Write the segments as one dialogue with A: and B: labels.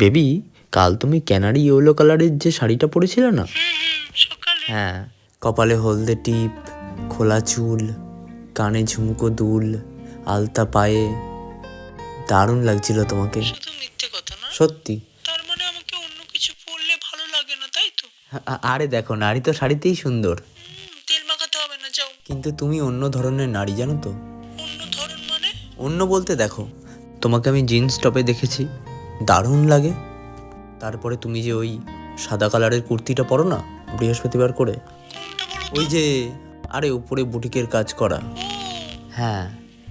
A: Baby, কাল তুমি canary yellow কালারের যে শাড়িটা পরেছিলে না? হ্যাঁ, কপালে হলদে টিপ, খোলা চুল, কানে ঝুমকো দুল, আলতা পায়ে, দারুণ লাগছিল তোমাকে।
B: শুধু মিথ্যে কথা না?
A: সত্যি।
B: তার মানে আমাকে অন্য কিছু পরলে ভালো লাগে না, তাই তো?
A: আরে দেখো, নারী তো শাড়িতেই সুন্দর।
B: তেল মাখাতে হবে না, যাও।
A: কিন্তু তুমি অন্য ধরনের নারী, জানো তো?
B: অন্য ধরন মানে?
A: অন্য বলতে দেখো, তোমাকে আমি জিন্স টপে দেখেছি, দারুণ লাগে। তারপরে তুমি যে ওই সাদা কালারের কুর্তিটা পরো না বৃহস্পতিবার করে,
B: কোনটা বলো তো?
A: ওই যে, আরে উপরে বুটিকের কাজ করা,
B: ও,
A: হ্যাঁ,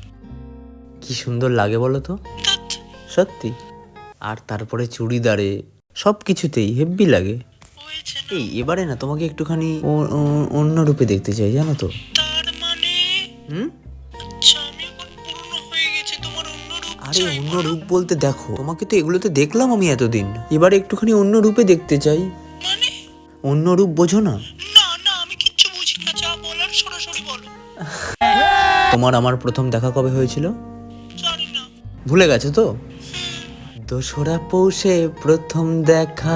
A: কি সুন্দর লাগে বলো তো।
B: ধ্যাৎ,
A: সত্যি। আর তারপরে চুড়িদারে, সব কিছুতেই হেব্বি লাগে।
B: হয়েছে না?
A: এই এবারে না তোমাকে একটুখানি অন্য রূপে দেখতে চাই, জানো তো।
B: তার মানে?
A: হুম।
B: আচ্ছা, আমি এখন পুরনো হয়ে গেছি, তোমার অন্য রূপ
A: আরে
B: চাই
A: অন্য
B: বলো?
A: রূপ বলতে দেখো, তোমাকে তো এগুলোতে দেখলাম আমি এতদিন, এবারে একটুখানি অন্য রূপে দেখতে চাই।
B: মানে?
A: অন্য রূপ বোঝো না?
B: না না, আমি কিচ্ছু বুঝি না, যা বলার সরাসরি বলো।
A: তোমার আমার প্রথম দেখা কবে হয়েছিল?
B: জানি না।
A: ভুলে গেছো তো? দোসরা পৌষে প্রথম দেখা,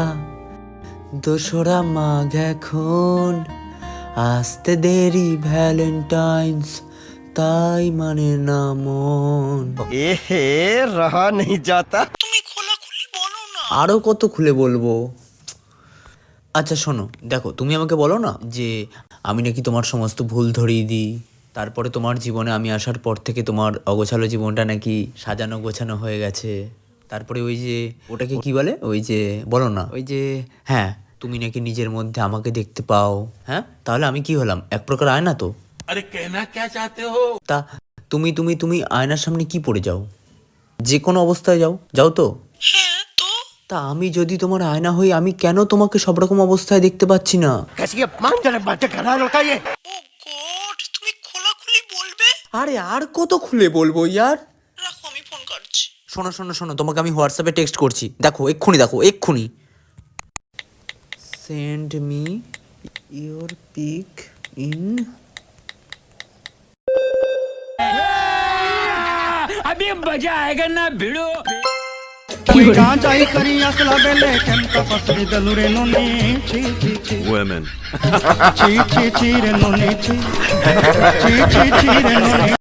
A: দোসরা মাঘ এখন, আসতে দেরি ভ্যালেন্টাইন্স, তাই মানে না মন।
C: এহে রহা नहीं जाता।
B: তুমি খোলাখুলি বলো না।
A: আরো কত খুলে বলবো। আচ্ছা শোনো, দেখো তুমি আমাকে বলো না যে আমি নাকি তোমার সমস্ত ভুল ধরিয়ে দিই, তারপরে তোমার জীবনে আমি আসার পর থেকে তোমার অগোছালো জীবনটা নাকি সাজানো গোছানো হয়ে গেছে। তারপরে ওই যে ওটাকে কি বলে, ওই যে বলো না, ওই যে, হ্যাঁ, তুমি নাকি নিজের মধ্যে আমাকে দেখতে পাও। হ্যাঁ, তাহলে আমি কি হলাম, এক প্রকার আয়না তো।
D: अरे कहना क्या चाहते हो?
A: তা তুমি তুমি তুমি আয়নার সামনে কি পড়ে যাও? যে কোনো অবস্থায় যাও, যাও তো।
B: হ্যাঁ তো?
A: তা আমি যদি তোমার আয়না হই, আমি কেন তোমাকে সব রকম অবস্থায় দেখতে পাচ্ছি না?
C: कैसी अपमानजनक बातें कर रहा है लड़का ये।
B: ও গড, তুমি খোলাখুলি বলবে?
A: আরে আর কত খুলে বলবো ইয়ার।
B: রাখো, আমি ফোন কাটছি।
A: শোনো শোনো শোনো, তোমাকে আমি হোয়াটসঅ্যাপে টেক্সট করছি, দেখো এক্ষুনি, দেখো এক্ষুনি। Send me your pic in.
D: अभी मजा आएगा ना भिड़ो।
E: गांजाई करी असला बेले केंता पसरी दलुरे नोनी ची ची ची
C: Women.
E: ची ची ची रे नोनी ची ची ची ची रे नोनी